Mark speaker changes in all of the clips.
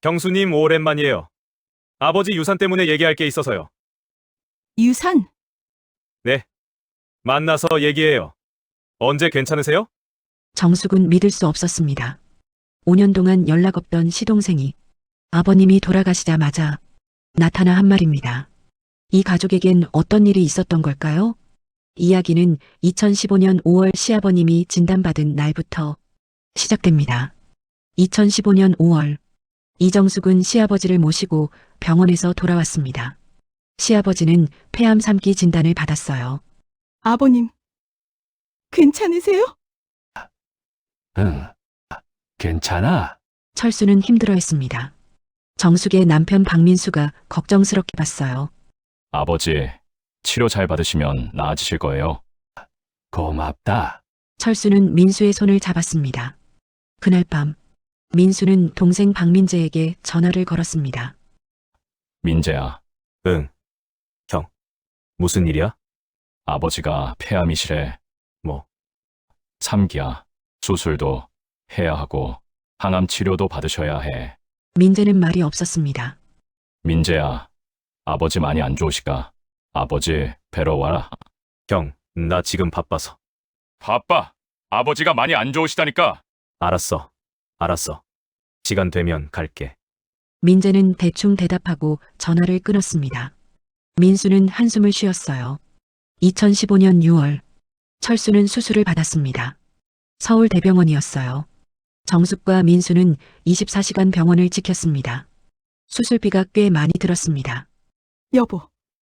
Speaker 1: 경수님 오랜만이에요. 아버지 유산 때문에 얘기할 게 있어서요.
Speaker 2: 유산?
Speaker 1: 네. 만나서 얘기해요. 언제 괜찮으세요?
Speaker 3: 정숙은 믿을 수 없었습니다. 5년 동안 연락 없던 시동생이 아버님이 돌아가시자마자 나타나 한 말입니다. 이 가족에겐 어떤 일이 있었던 걸까요? 이야기는 2015년 5월 시아버님이 진단받은 날부터 시작됩니다. 2015년 5월, 이정숙은 시아버지를 모시고 병원에서 돌아왔습니다. 시아버지는 폐암 3기 진단을 받았어요.
Speaker 2: 아버님, 괜찮으세요?
Speaker 4: 응, 괜찮아.
Speaker 3: 철수는 힘들어했습니다. 정숙의 남편 박민수가 걱정스럽게 봤어요.
Speaker 5: 아버지, 치료 잘 받으시면 나아지실 거예요.
Speaker 4: 고맙다.
Speaker 3: 철수는 민수의 손을 잡았습니다. 그날 밤, 민수는 동생 박민재에게 전화를 걸었습니다.
Speaker 5: 민재야,
Speaker 1: 응. 형. 무슨 일이야?
Speaker 5: 아버지가 폐암이시래.
Speaker 1: 뭐?
Speaker 5: 3기야. 수술도 해야 하고 항암 치료도 받으셔야 해.
Speaker 3: 민재는 말이 없었습니다.
Speaker 5: 민재야, 아버지 많이 안 좋으시까? 아버지 뵈러 와라.
Speaker 1: 형, 나 지금 바빠서.
Speaker 5: 바빠. 아버지가 많이 안 좋으시다니까.
Speaker 1: 알았어. 알았어. 시간 되면 갈게.
Speaker 3: 민재는 대충 대답하고 전화를 끊었습니다. 민수는 한숨을 쉬었어요. 2015년 6월, 철수는 수술을 받았습니다. 서울대병원이었어요. 정숙과 민수는 24시간 병원을 지켰습니다. 수술비가 꽤 많이 들었습니다.
Speaker 2: 여보,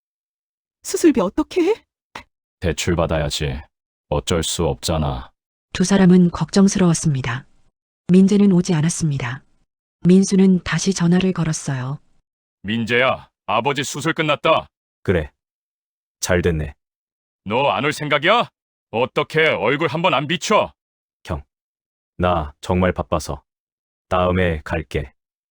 Speaker 2: 수술비 어떻게 해?
Speaker 5: 대출 받아야지. 어쩔 수 없잖아.
Speaker 3: 두 사람은 걱정스러웠습니다. 민재는 오지 않았습니다. 민수는 다시 전화를 걸었어요.
Speaker 5: 민재야, 아버지 수술 끝났다.
Speaker 1: 그래. 잘 됐네.
Speaker 5: 너 안 올 생각이야? 어떻게 얼굴 한번 안 비춰?
Speaker 1: 나 정말 바빠서. 다음에 갈게.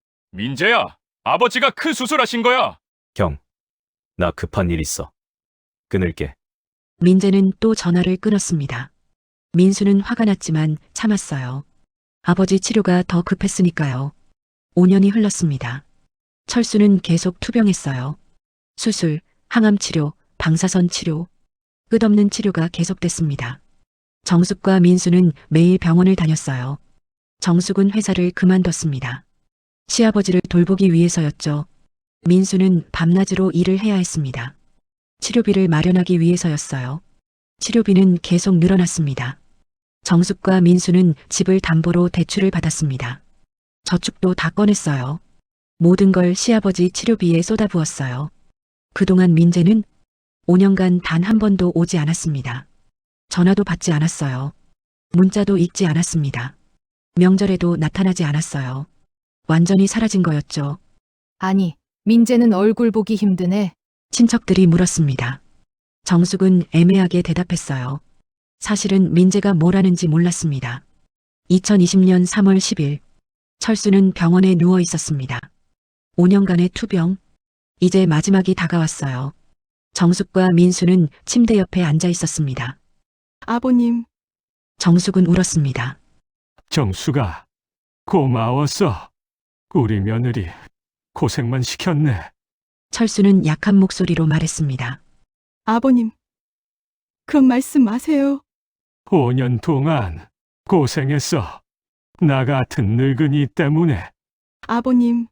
Speaker 5: 민재야, 아버지가 큰 수술하신 거야.
Speaker 1: 형. 나 급한 일 있어. 끊을게.
Speaker 3: 민재는 또 전화를 끊었습니다. 민수는 화가 났지만 참았어요. 아버지 치료가 더 급했으니까요. 5년이 흘렀습니다. 철수는 계속 투병했어요. 수술, 항암 치료, 방사선 치료, 끝없는 치료가 계속됐습니다. 정숙과 민수는 매일 병원을 다녔어요. 정숙은 회사를 그만뒀습니다. 시아버지를 돌보기 위해서였죠. 민수는 밤낮으로 일을 해야 했습니다. 치료비를 마련하기 위해서였어요. 치료비는 계속 늘어났습니다. 정숙과 민수는 집을 담보로 대출을 받았습니다. 저축도 다 꺼냈어요. 모든 걸 시아버지 치료비에 쏟아부었어요. 그동안 민재는 5년간 단 한 번도 오지 않았습니다. 전화도 받지 않았어요. 문자도 읽지 않았습니다. 명절에도 나타나지 않았어요. 완전히 사라진 거였죠.
Speaker 6: 아니, 민재는 얼굴 보기 힘드네.
Speaker 3: 친척들이 물었습니다. 정숙은 애매하게 대답했어요. 사실은 민재가 뭘 하는지 몰랐습니다. 2020년 3월 10일, 철수는 병원에 누워 있었습니다. 5년간의 투병, 이제 마지막이 다가왔어요. 정숙과 민수는 침대 옆에 앉아 있었습니다.
Speaker 2: 아버님,
Speaker 3: 정숙은 울었습니다.
Speaker 4: 정수가 고마웠어. 우리 며느리 고생만 시켰네.
Speaker 3: 철수는 약한 목소리로 말했습니다.
Speaker 2: 아버님, 그런 말씀 마세요.
Speaker 4: 5년 동안 고생했어. 나 같은 늙은이 때문에.
Speaker 2: 아버님,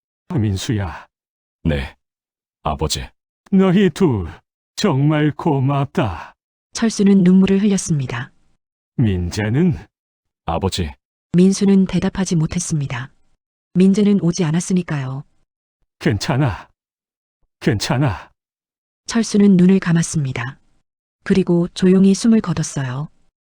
Speaker 4: 민수야,
Speaker 5: 네, 아버지.
Speaker 4: 너희 둘 정말 고맙다.
Speaker 3: 철수는 눈물을 흘렸습니다.
Speaker 4: 민재는
Speaker 5: 아버지,
Speaker 3: 민수는 대답하지 못했습니다. 민재는 오지 않았으니까요.
Speaker 4: 괜찮아. 괜찮아.
Speaker 3: 철수는 눈을 감았습니다. 그리고 조용히 숨을 거뒀어요.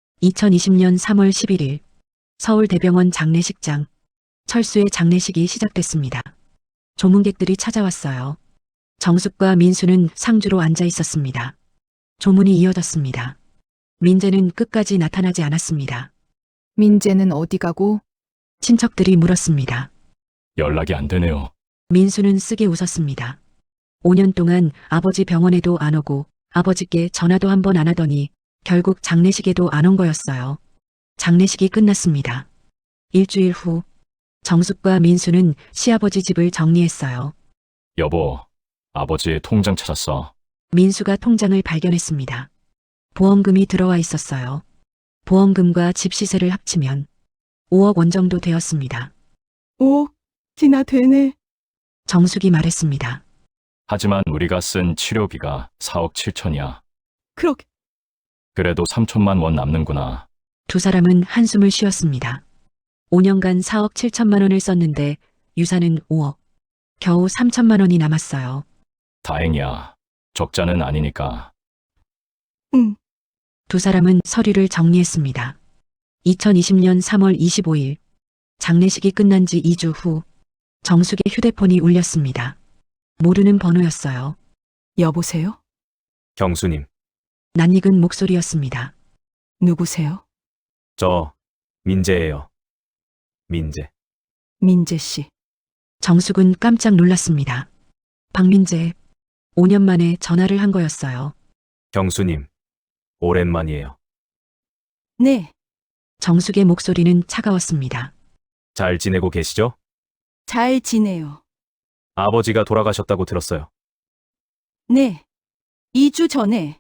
Speaker 3: 2020년 3월 11일 서울대병원 장례식장. 철수의 장례식이 시작됐습니다. 조문객들이 찾아왔어요. 정숙과 민수는 상주로 앉아 있었습니다. 조문이 이어졌습니다. 민재는 끝까지 나타나지 않았습니다.
Speaker 6: 민재는 어디 가고?
Speaker 3: 친척들이 물었습니다.
Speaker 5: 연락이 안 되네요.
Speaker 3: 민수는 쓰게 웃었습니다. 5년 동안 아버지 병원에도 안 오고 아버지께 전화도 한 번 안 하더니 결국 장례식에도 안 온 거였어요. 장례식이 끝났습니다. 일주일 후 정숙과 민수는 시아버지 집을 정리했어요.
Speaker 5: 여보, 아버지 통장 찾았어.
Speaker 3: 민수가 통장을 발견했습니다. 보험금이 들어와 있었어요. 보험금과 집 시세를 합치면 5억 원 정도 되었습니다.
Speaker 2: 5억이나 되네.
Speaker 3: 정숙이 말했습니다.
Speaker 5: 하지만 우리가 쓴 치료비가 4억 7천이야.
Speaker 2: 그렇게
Speaker 5: 그래도 3천만 원 남는구나.
Speaker 3: 두 사람은 한숨을 쉬었습니다. 5년간 4억 7천만 원을 썼는데 유산은 5억. 겨우 3천만 원이 남았어요.
Speaker 5: 다행이야. 적자는 아니니까.
Speaker 2: 응.
Speaker 3: 두 사람은 서류를 정리했습니다. 2020년 3월 25일 장례식이 끝난 지 2주 후 정숙의 휴대폰이 울렸습니다. 모르는 번호였어요.
Speaker 2: 여보세요?
Speaker 1: 경수님,
Speaker 3: 낯익은 목소리였습니다.
Speaker 2: 누구세요?
Speaker 1: 저 민재예요. 민재.
Speaker 2: 민재 씨.
Speaker 3: 정숙은 깜짝 놀랐습니다. 박민재, 5년 만에 전화를 한 거였어요.
Speaker 1: 경수님, 오랜만이에요.
Speaker 2: 네,
Speaker 3: 정숙의 목소리는 차가웠습니다.
Speaker 1: 잘 지내고 계시죠?
Speaker 2: 잘 지내요.
Speaker 1: 아버지가 돌아가셨다고 들었어요.
Speaker 2: 네, 2주 전에.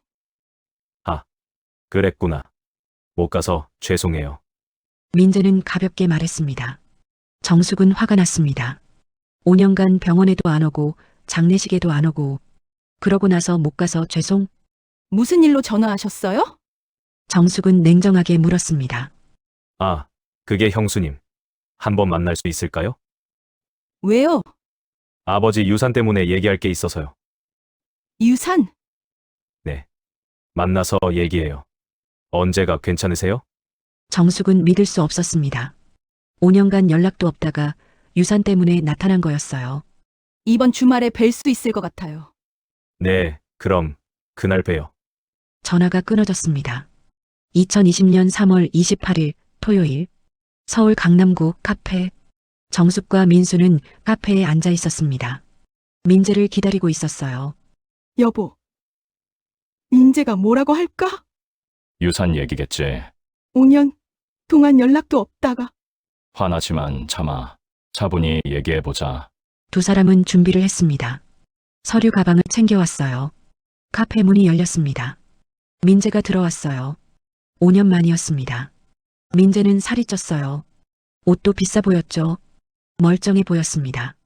Speaker 1: 그랬구나. 못 가서 죄송해요.
Speaker 3: 민재는 가볍게 말했습니다. 정숙은 화가 났습니다. 5년간 병원에도 안 오고 장례식에도 안 오고 그러고 나서 못 가서 죄송?
Speaker 2: 무슨 일로 전화하셨어요?
Speaker 3: 정숙은 냉정하게 물었습니다.
Speaker 1: 아, 그게 형수님. 한번 만날 수 있을까요?
Speaker 2: 왜요?
Speaker 1: 아버지 유산 때문에 얘기할 게 있어서요.
Speaker 2: 유산?
Speaker 1: 만나서 얘기해요. 언제가 괜찮으세요?
Speaker 3: 정숙은 믿을 수 없었습니다. 5년간 연락도 없다가 유산 때문에 나타난 거였어요.
Speaker 2: 이번 주말에 뵐 수 있을 것 같아요.
Speaker 1: 네, 그럼 그날 봬요.
Speaker 3: 전화가 끊어졌습니다. 2020년 3월 28일 토요일 서울 강남구 카페 정숙과 민수는 카페에 앉아 있었습니다. 민재를 기다리고 있었어요.
Speaker 2: 여보, 민재가 뭐라고 할까?
Speaker 5: 유산 얘기겠지.
Speaker 2: 5년 동안 연락도 없다가
Speaker 5: 화나지만 참아. 차분히 얘기해보자.
Speaker 3: 두 사람은 준비를 했습니다. 서류 가방을 챙겨왔어요. 카페 문이 열렸습니다. 민재가 들어왔어요. 5년 만이었습니다. 민재는 살이 쪘어요. 옷도 비싸 보였죠. 멀쩡해 보였습니다.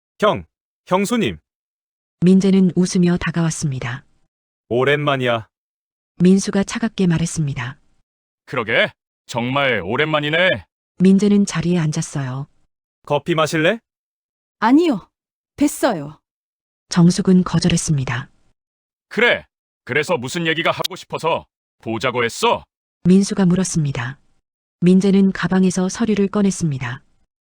Speaker 1: 형수님,
Speaker 3: 민재는 웃으며 다가왔습니다.
Speaker 1: 오랜만이야.
Speaker 3: 민수가 차갑게 말했습니다.
Speaker 5: 그러게. 정말 오랜만이네.
Speaker 3: 민재는 자리에 앉았어요.
Speaker 1: 커피 마실래?
Speaker 2: 아니요, 됐어요.
Speaker 3: 정숙은 거절했습니다.
Speaker 5: 그래. 그래서 무슨 얘기가 하고 싶어서 보자고 했어?
Speaker 3: 민수가 물었습니다. 민재는 가방에서 서류를 꺼냈습니다.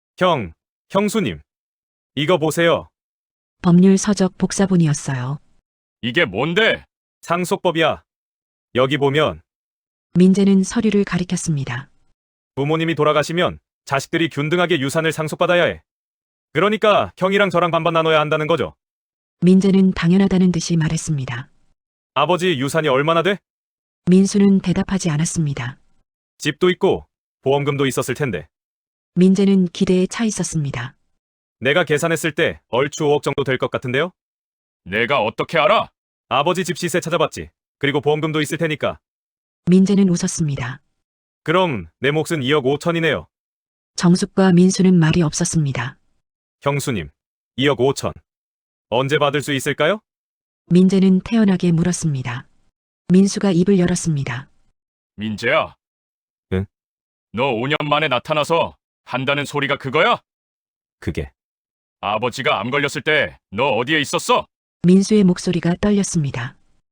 Speaker 1: 형수님. 이거 보세요.
Speaker 3: 법률 서적 복사본이었어요.
Speaker 5: 이게 뭔데?
Speaker 1: 상속법이야. 여기 보면
Speaker 3: 민재는 서류를 가리켰습니다.
Speaker 1: 부모님이 돌아가시면 자식들이 균등하게 유산을 상속받아야 해. 그러니까 형이랑 저랑 반반 나눠야 한다는 거죠.
Speaker 3: 민재는 당연하다는 듯이 말했습니다.
Speaker 1: 아버지 유산이 얼마나 돼?
Speaker 3: 민수는 대답하지 않았습니다.
Speaker 1: 집도 있고 보험금도 있었을 텐데.
Speaker 3: 민재는 기대에 차 있었습니다.
Speaker 1: 내가 계산했을 때 얼추 5억 정도 될 것 같은데요?
Speaker 5: 내가 어떻게 알아?
Speaker 1: 아버지 집 시세 찾아봤지. 그리고 보험금도 있을 테니까.
Speaker 3: 민재는 웃었습니다.
Speaker 1: 그럼 내 몫은 2억 5천이네요.
Speaker 3: 정숙과 민수는 말이 없었습니다.
Speaker 1: 형수님, 2억 5천. 언제 받을 수 있을까요?
Speaker 3: 민재는 태연하게 물었습니다. 민수가 입을 열었습니다.
Speaker 5: 민재야.
Speaker 1: 응?
Speaker 5: 너 5년 만에 나타나서 한다는 소리가 그거야?
Speaker 1: 그게
Speaker 5: 아버지가 암 걸렸을 때 너 어디에 있었어?
Speaker 3: 민수의 목소리가 떨렸습니다.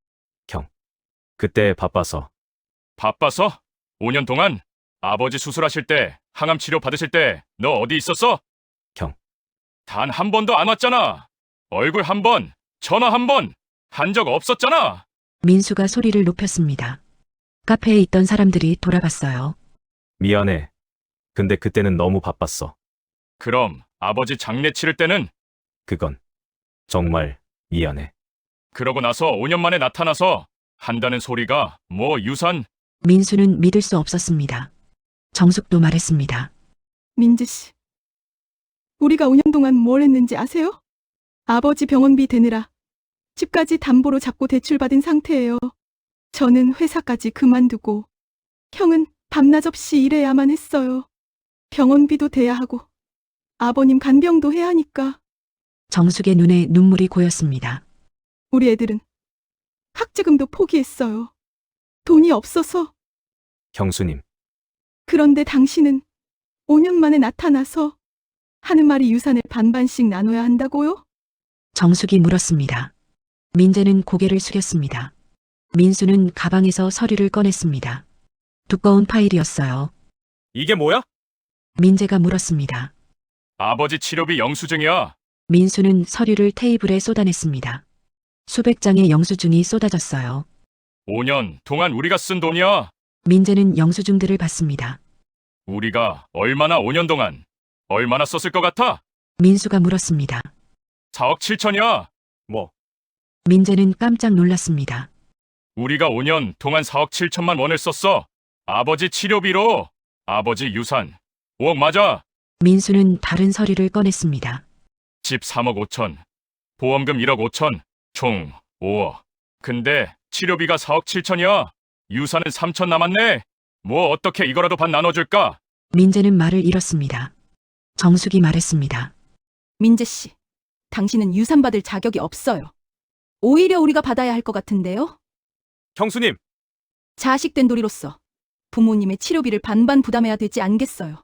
Speaker 1: 그때 바빠서.
Speaker 5: 바빠서? 5년 동안? 아버지 수술하실 때, 항암 치료 받으실 때 너 어디 있었어?
Speaker 1: 형.
Speaker 5: 단 한 번도 안 왔잖아. 얼굴 한 번, 전화 한 번, 한 적 없었잖아.
Speaker 3: 민수가 소리를 높였습니다. 카페에 있던 사람들이 돌아봤어요.
Speaker 1: 미안해. 근데 그때는 너무 바빴어.
Speaker 5: 그럼 아버지 장례 치를 때는?
Speaker 1: 그건 정말 미안해.
Speaker 5: 그러고 나서 5년 만에 나타나서 한다는 소리가 뭐 유산?
Speaker 3: 민수는 믿을 수 없었습니다. 정숙도 말했습니다.
Speaker 2: 민재 씨, 우리가 5년 동안 뭘 했는지 아세요? 아버지 병원비 대느라 집까지 담보로 잡고 대출받은 상태예요. 저는 회사까지 그만두고 형은 밤낮 없이 일해야만 했어요. 병원비도 대야 하고 아버님 간병도 해야 하니까
Speaker 3: 정숙의 눈에 눈물이 고였습니다.
Speaker 2: 우리 애들은 학자금도 포기했어요. 돈이 없어서.
Speaker 1: 형수님,
Speaker 2: 그런데 당신은 5년 만에 나타나서 하는 말이 유산을 반반씩 나눠야 한다고요?
Speaker 3: 정숙이 물었습니다. 민재는 고개를 숙였습니다. 민수는 가방에서 서류를 꺼냈습니다. 두꺼운 파일이었어요.
Speaker 1: 이게 뭐야?
Speaker 3: 민재가 물었습니다.
Speaker 5: 아버지 치료비 영수증이야.
Speaker 3: 민수는 서류를 테이블에 쏟아냈습니다. 수백 장의 영수증이 쏟아졌어요.
Speaker 5: 5년 동안 우리가 쓴 돈이야.
Speaker 3: 민재는 영수증들을 봤습니다.
Speaker 5: 우리가 얼마나 5년 동안 얼마나 썼을 것 같아?
Speaker 3: 민수가 물었습니다.
Speaker 5: 4억 7천이야.
Speaker 1: 뭐,
Speaker 3: 민재는 깜짝 놀랐습니다.
Speaker 5: 우리가 5년 동안 4억 7천만 원을 썼어. 아버지 치료비로. 아버지 유산 5억 맞아.
Speaker 3: 민수는 다른 서류를 꺼냈습니다.
Speaker 5: 집 3억 5천. 보험금 1억 5천. 총 5억. 근데 치료비가 4억 7천이야. 유산은 3천 남았네. 뭐 어떻게 이거라도 반 나눠줄까?
Speaker 3: 민재는 말을 잃었습니다. 정숙이 말했습니다.
Speaker 2: 민재 씨, 당신은 유산 받을 자격이 없어요. 오히려 우리가 받아야 할 것 같은데요?
Speaker 1: 형수님,
Speaker 2: 자식된 도리로서 부모님의 치료비를 반반 부담해야 되지 않겠어요?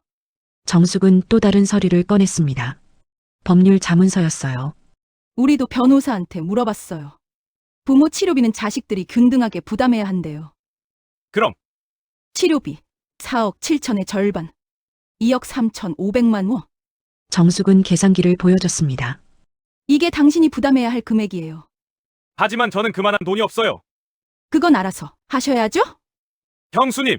Speaker 3: 정숙은 또 다른 서류를 꺼냈습니다. 법률 자문서였어요.
Speaker 2: 우리도 변호사한테 물어봤어요. 부모 치료비는 자식들이 균등하게 부담해야 한대요.
Speaker 1: 그럼
Speaker 2: 치료비 4억 7천의 절반, 2억 3천 5백만 원.
Speaker 3: 정숙은 계산기를 보여줬습니다.
Speaker 2: 이게 당신이 부담해야 할 금액이에요.
Speaker 1: 하지만 저는 그만한 돈이 없어요.
Speaker 2: 그건 알아서 하셔야죠?
Speaker 1: 형수님,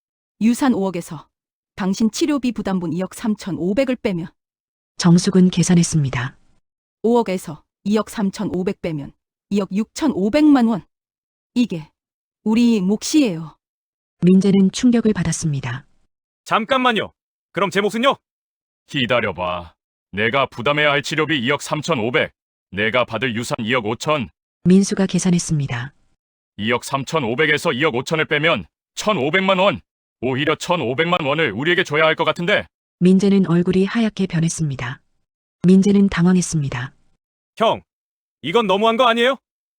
Speaker 2: 유산 5억에서 당신 치료비 부담분 2억 3천 5백을 빼면
Speaker 3: 정숙은 계산했습니다.
Speaker 2: 5억에서 2억 3천 5백 빼면 2억 6천 5백만 원. 이게 우리 몫이에요.
Speaker 3: 민재는 충격을 받았습니다.
Speaker 1: 잠깐만요. 그럼 제 몫은요?
Speaker 5: 기다려봐. 내가 부담해야 할 치료비 2억 3천 5백. 내가 받을 유산 2억 5천.
Speaker 3: 민수가 계산했습니다.
Speaker 5: 2억 3천 5백에서 2억 5천을 빼면 1,500만 원. 오히려 1,500만 원을 우리에게 줘야 할 것 같은데.
Speaker 3: 민재는 얼굴이 하얗게 변했습니다. 민재는 당황했습니다.
Speaker 1: 형, 이건 너무한 거 아니에요?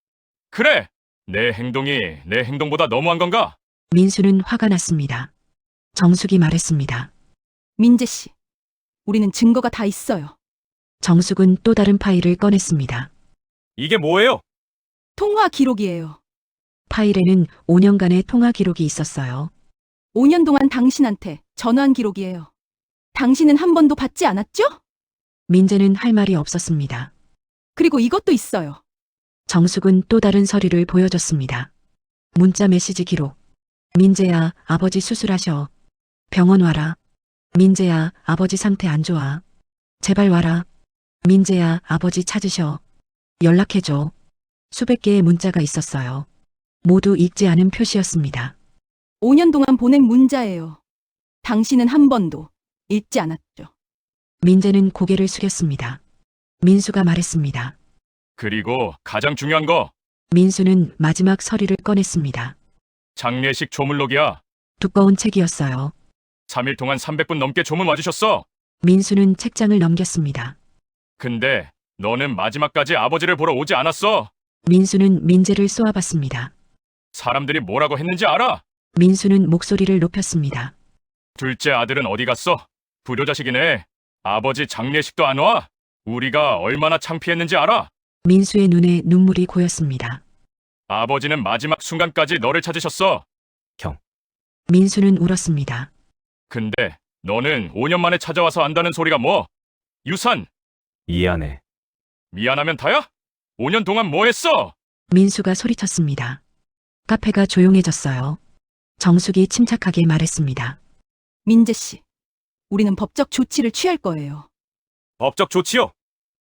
Speaker 5: 그래. 내 행동이 내 행동보다 너무한 건가?
Speaker 3: 민수는 화가 났습니다. 정숙이 말했습니다.
Speaker 2: 민재 씨, 우리는 증거가 다 있어요.
Speaker 3: 정숙은 또 다른 파일을 꺼냈습니다.
Speaker 1: 이게 뭐예요?
Speaker 2: 통화 기록이에요.
Speaker 3: 파일에는 5년간의 통화 기록이 있었어요.
Speaker 2: 5년 동안 당신한테 전화한 기록이에요. 당신은 한 번도 받지 않았죠?
Speaker 3: 민재는 할 말이 없었습니다.
Speaker 2: 그리고 이것도 있어요.
Speaker 3: 정숙은 또 다른 서류를 보여줬습니다. 문자 메시지 기록. 민재야, 아버지 수술하셔. 병원 와라. 민재야, 아버지 상태 안 좋아. 제발 와라. 민재야, 아버지 찾으셔. 연락해줘. 수백 개의 문자가 있었어요. 모두 읽지 않은 표시였습니다.
Speaker 2: 5년 동안 보낸 문자예요. 당신은 한 번도 읽지 않았죠.
Speaker 3: 민재는 고개를 숙였습니다. 민수가 말했습니다.
Speaker 5: 그리고 가장 중요한 거.
Speaker 3: 민수는 마지막 서류를 꺼냈습니다.
Speaker 5: 장례식 조문록이야.
Speaker 3: 두꺼운 책이었어요.
Speaker 5: 3일 동안 300분 넘게 조문 와주셨어.
Speaker 3: 민수는 책장을 넘겼습니다.
Speaker 5: 근데 너는 마지막까지 아버지를 보러 오지 않았어.
Speaker 3: 민수는 민재를 쏘아봤습니다.
Speaker 5: 사람들이 뭐라고 했는지 알아?
Speaker 3: 민수는 목소리를 높였습니다.
Speaker 5: 둘째 아들은 어디 갔어? 불효자식이네. 아버지 장례식도 안 와? 우리가 얼마나 창피했는지 알아?
Speaker 3: 민수의 눈에 눈물이 고였습니다.
Speaker 5: 아버지는 마지막 순간까지 너를 찾으셨어.
Speaker 3: 민수는 울었습니다.
Speaker 5: 근데 너는 5년 만에 찾아와서 안다는 소리가 뭐? 유산.
Speaker 1: 이해하네.
Speaker 5: 미안하면 다야? 5년 동안 뭐 했어?
Speaker 3: 민수가 소리쳤습니다. 카페가 조용해졌어요. 정숙이 침착하게 말했습니다.
Speaker 2: 민재 씨, 우리는 법적 조치를 취할 거예요.
Speaker 1: 법적 조치요?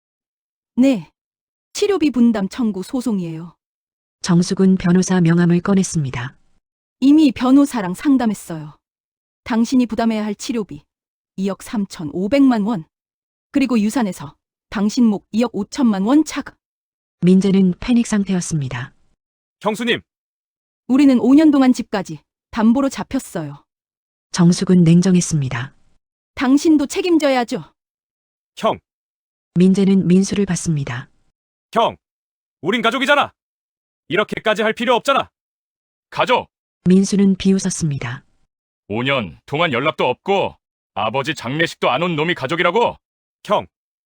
Speaker 2: 네. 치료비 분담 청구 소송이에요.
Speaker 3: 정숙은 변호사 명함을 꺼냈습니다.
Speaker 2: 이미 변호사랑 상담했어요. 당신이 부담해야 할 치료비 2억 3천 5백만 원. 그리고 유산에서 당신 목 2억 5천만 원 차가.
Speaker 3: 민재는 패닉 상태였습니다.
Speaker 1: 형수님,
Speaker 2: 우리는 5년 동안 집까지 담보로 잡혔어요.
Speaker 3: 정숙은 냉정했습니다.
Speaker 2: 당신도 책임져야죠.
Speaker 1: 형,
Speaker 3: 민재는 민수를 봤습니다.
Speaker 1: 형, 우린 가족이잖아. 이렇게까지 할 필요 없잖아.
Speaker 5: 가족!
Speaker 3: 민수는 비웃었습니다.
Speaker 5: 5년 동안 연락도 없고 아버지 장례식도 안 온 놈이 가족이라고?
Speaker 1: 형,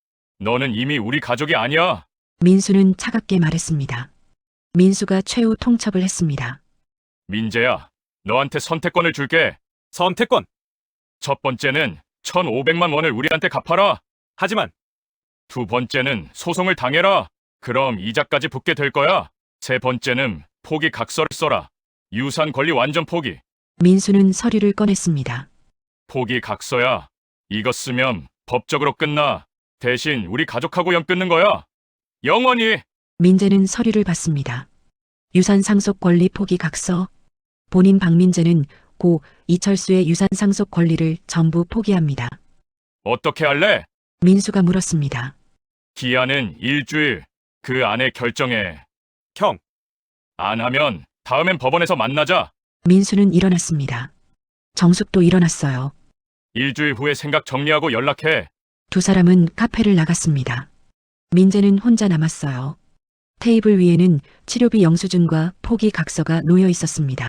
Speaker 5: 너는 이미 우리 가족이 아니야.
Speaker 3: 민수는 차갑게 말했습니다. 민수가 최후 통첩을 했습니다.
Speaker 5: 민재야, 너한테 선택권을 줄게.
Speaker 1: 선택권.
Speaker 5: 첫 번째는 1,500만 원을 우리한테 갚아라.
Speaker 1: 하지만
Speaker 5: 두 번째는 소송을 당해라. 그럼 이자까지 붙게 될 거야. 세 번째는 포기 각서를 써라. 유산 권리 완전 포기.
Speaker 3: 민수는 서류를 꺼냈습니다.
Speaker 5: 포기 각서야. 이거 쓰면 법적으로 끝나. 대신 우리 가족하고 연 끊는 거야. 영원히.
Speaker 3: 민재는 서류를 받습니다. 유산 상속 권리 포기 각서. 본인 박민재는 고 이철수의 유산 상속 권리를 전부 포기합니다.
Speaker 5: 어떻게 할래?
Speaker 3: 민수가 물었습니다.
Speaker 5: 기한은 일주일. 그 안에 결정해.
Speaker 1: 형,
Speaker 5: 안 하면 다음엔 법원에서 만나자.
Speaker 3: 민수는 일어났습니다. 정숙도 일어났어요.
Speaker 5: 일주일 후에 생각 정리하고 연락해.
Speaker 3: 두 사람은 카페를 나갔습니다. 민재는 혼자 남았어요. 테이블 위에는 치료비 영수증과 포기 각서가 놓여 있었습니다.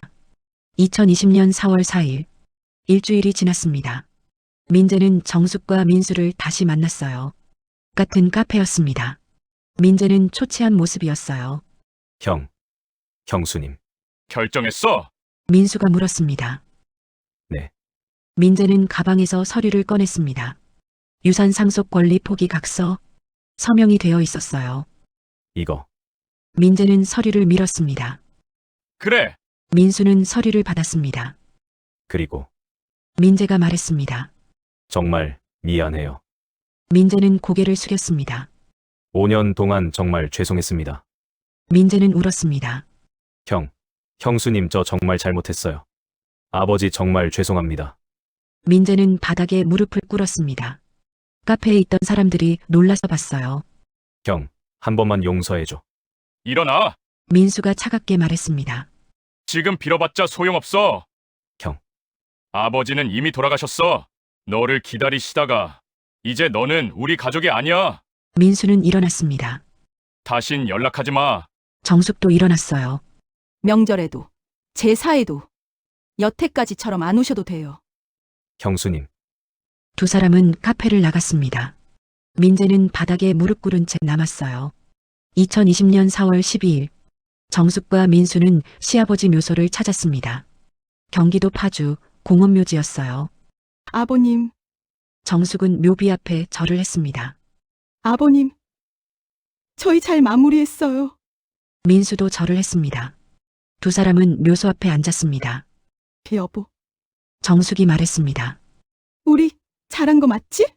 Speaker 3: 2020년 4월 4일. 일주일이 지났습니다. 민재는 정숙과 민수를 다시 만났어요. 같은 카페였습니다. 민재는 초췌한 모습이었어요.
Speaker 1: 형, 형수님.
Speaker 5: 결정했어?
Speaker 3: 민수가 물었습니다.
Speaker 1: 네.
Speaker 3: 민재는 가방에서 서류를 꺼냈습니다. 유산 상속 권리 포기 각서. 서명이 되어 있었어요.
Speaker 1: 이거.
Speaker 3: 민재는 서류를 밀었습니다.
Speaker 5: 그래.
Speaker 3: 민수는 서류를 받았습니다.
Speaker 1: 그리고
Speaker 3: 민재가 말했습니다.
Speaker 1: 정말 미안해요.
Speaker 3: 민재는 고개를 숙였습니다.
Speaker 1: 5년 동안 정말 죄송했습니다.
Speaker 3: 민재는 울었습니다.
Speaker 1: 형, 형수님 저 정말 잘못했어요. 아버지 정말 죄송합니다.
Speaker 3: 민재는 바닥에 무릎을 꿇었습니다. 카페에 있던 사람들이 놀라서 봤어요.
Speaker 1: 형, 한 번만 용서해줘.
Speaker 5: 일어나.
Speaker 3: 민수가 차갑게 말했습니다.
Speaker 5: 지금 빌어봤자 소용없어.
Speaker 1: 형.
Speaker 5: 아버지는 이미 돌아가셨어. 너를 기다리시다가 이제 너는 우리 가족이 아니야.
Speaker 3: 민수는 일어났습니다.
Speaker 5: 다신 연락하지 마.
Speaker 3: 정숙도 일어났어요.
Speaker 2: 명절에도, 제사에도, 여태까지처럼 안 오셔도 돼요.
Speaker 1: 형수님,
Speaker 3: 두 사람은 카페를 나갔습니다. 민재는 바닥에 무릎 꿇은 채 남았어요. 2020년 4월 12일. 정숙과 민수는 시아버지 묘소를 찾았습니다. 경기도 파주 공원묘지였어요.
Speaker 2: 아버님,
Speaker 3: 정숙은 묘비 앞에 절을 했습니다.
Speaker 2: 아버님. 저희 잘 마무리했어요.
Speaker 3: 민수도 절을 했습니다. 두 사람은 묘소 앞에 앉았습니다.
Speaker 2: 여보,
Speaker 3: 정숙이 말했습니다.
Speaker 2: 우리 잘한 거 맞지?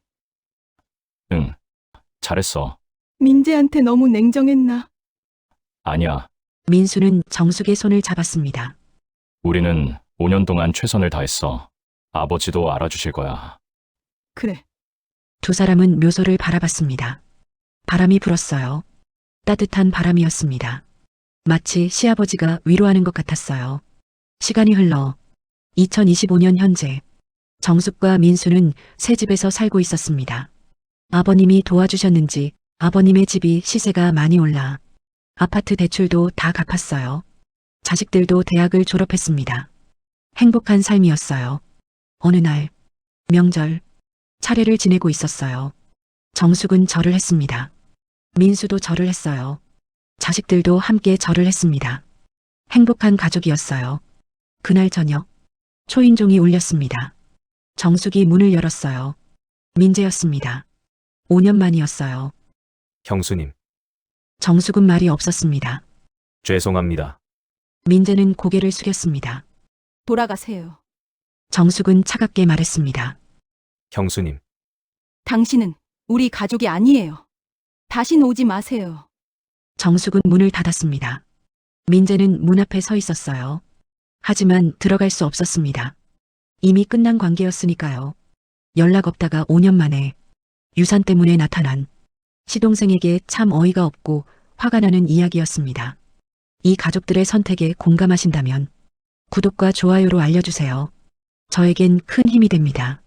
Speaker 5: 응. 잘했어.
Speaker 2: 민재한테 너무 냉정했나?
Speaker 5: 아니야.
Speaker 3: 민수는 정숙의 손을 잡았습니다.
Speaker 5: 우리는 5년 동안 최선을 다했어. 아버지도 알아주실 거야.
Speaker 2: 그래.
Speaker 3: 두 사람은 묘소를 바라봤습니다. 바람이 불었어요. 따뜻한 바람이었습니다. 마치 시아버지가 위로하는 것 같았어요. 시간이 흘러 2025년 현재 정숙과 민수는 새 집에서 살고 있었습니다. 아버님이 도와주셨는지 아버님의 집이 시세가 많이 올라 아파트 대출도 다 갚았어요. 자식들도 대학을 졸업했습니다. 행복한 삶이었어요. 어느 날 명절 차례를 지내고 있었어요. 정숙은 절을 했습니다. 민수도 절을 했어요. 자식들도 함께 절을 했습니다. 행복한 가족이었어요. 그날 저녁 초인종이 울렸습니다. 정숙이 문을 열었어요. 민재였습니다. 5년 만이었어요.
Speaker 1: 형수님,
Speaker 3: 정숙은 말이 없었습니다.
Speaker 1: 죄송합니다.
Speaker 3: 민재는 고개를 숙였습니다.
Speaker 2: 돌아가세요.
Speaker 3: 정숙은 차갑게 말했습니다.
Speaker 1: 형수님,
Speaker 2: 당신은 우리 가족이 아니에요. 다신 오지 마세요.
Speaker 3: 정숙은 문을 닫았습니다. 민재는 문 앞에 서 있었어요. 하지만 들어갈 수 없었습니다. 이미 끝난 관계였으니까요. 연락 없다가 5년 만에 유산 때문에 나타난 시동생에게 참 어이가 없고 화가 나는 이야기였습니다. 이 가족들의 선택에 공감하신다면 구독과 좋아요로 알려주세요. 저에겐 큰 힘이 됩니다.